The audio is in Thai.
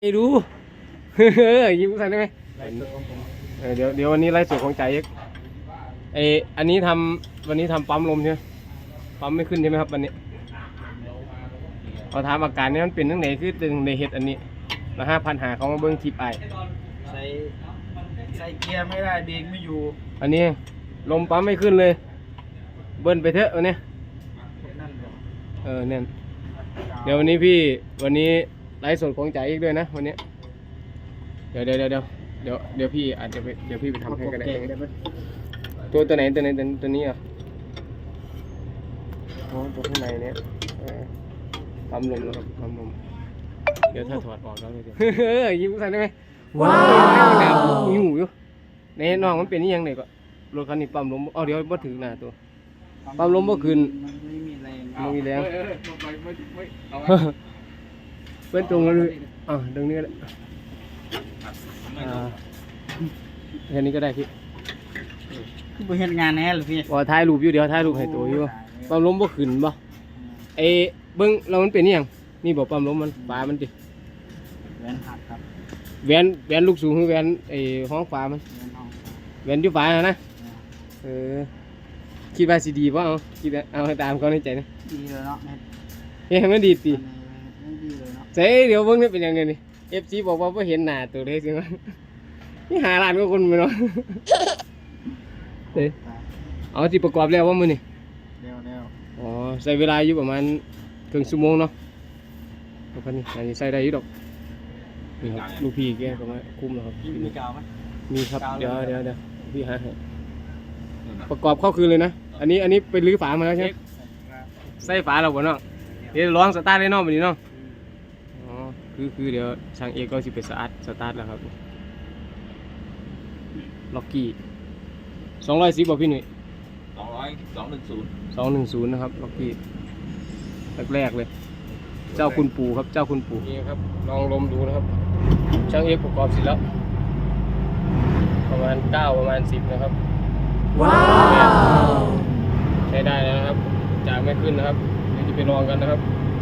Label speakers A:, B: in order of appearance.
A: ไม่รู้ ยิ้มใส่ได้ไหมเดี๋ยววันนี้ไลฟ์สดของใจเอ็กอันนี้วันนี้ทำปั๊มลมใช่ไหมปั๊มไม่ขึ้นใช่ไหมครับวันนี้เราถามอาการนี้มันเป็นตั้งไหนคือตึงในเห็ดอันนี้มา5,000หาเขามาเบิ้งคลิปไอ
B: ใส่เกียร์ไม่ได้เบรกไม่อยู่
A: อันนี้ลมปั๊มไม่ขึ้นเลยเบิ้ลไปเถอะวันนี้เนี่ยเดี๋ยววันนี้ไลฟ์สดของใจอีกด้วยนะวันนี้เดี๋ยวพี่อาจจะเดี๋ยวพี่ไปทำให้ก็ได้ตัวไหนตัวนี้อ่ะตัวข้างในเนี้ยปั๊มลมนะครับปั๊มลมเดี๋ยวถ้าถอดออกแล้วเลยยิ้มใส่ได้ไหมว้าวหิวอยู่ในน้องมันเป็นนี่ยังไงก็รถคันนี้ปั๊มลมเดี๋ยวบ่ถึงหน้าตัวปั๊มลมบ่ขึ้น
B: ไม่มีแรง
A: ไม่มีแรงเป็นตรงนั้นเลยตรงนี้แหละแค่นี้ก็ได้พี่
B: ไปเห็นงานแน่หรือพี่
A: ถ่ายรูปอยู่เดี๋ยวถ่ายรูปให้ตัวอยู่ปั๊มลมบ่ขึ้นบ่เบิ้งเรามันเป็นนี่ยังนี่บอกปั๊มลมมันฝามันดิ
B: แหวนหักครับ
A: แหวนลูกสูงคือแหวนห้องฝามันแหวนอยู่ฝานะคิดว่าสิดีป่ะคิดเอาตามเขาในใจนะ
B: ดีเลยเนาะ
A: ไม่ดีตี
B: ไม่ดีเลยเนาะ
A: เจ๊เดี๋ยวเบิ้งนี่เป็นยังไงนี่FCบอกว่าเห็นหน้าตัวเลยสิมั้ยนี่หาร้านก็คนไปเนาะเอาที่ประกอบแล้วว่ามือนี่ใส่เวลาอยู่ประมาณครึ่งชั่วโมงเนาะพันนี่อันนี้ใส่ได้อยู่ดอกนี่ครับลูกพี่แกก็มาคุ้มแล้วครับ
B: มีกาวไหม
A: มีครับเดี๋ยวพี่หาให้ประกอบเข้าคืนเลยนะอันนี้ไปรื้อฝามาแล้วใช่ไหมใส่ฝาเราบ่เนาะเดี๋ยวร้องสตาร์ทได้เนาะแบบนี้เนาะคือเดี๋ยวช่างเอกก็สิไปสตาร์ทแล้วครับล็อกกี้210บ่พี่หนุ่ย210นะครับล็อกกี้แรกเลยเจ้าคุณปู่ครับเจ้าคุณปู่นี่ครับลองลมดูนะครับช่างเอกประกอบเสร็จแล้วประมาณ9ประมาณ10นะครับว้าวใช้ได้แล้วนะครับจากไม่ขึ้นนะครับเดี๋ยวจะไปลองกันนะครับ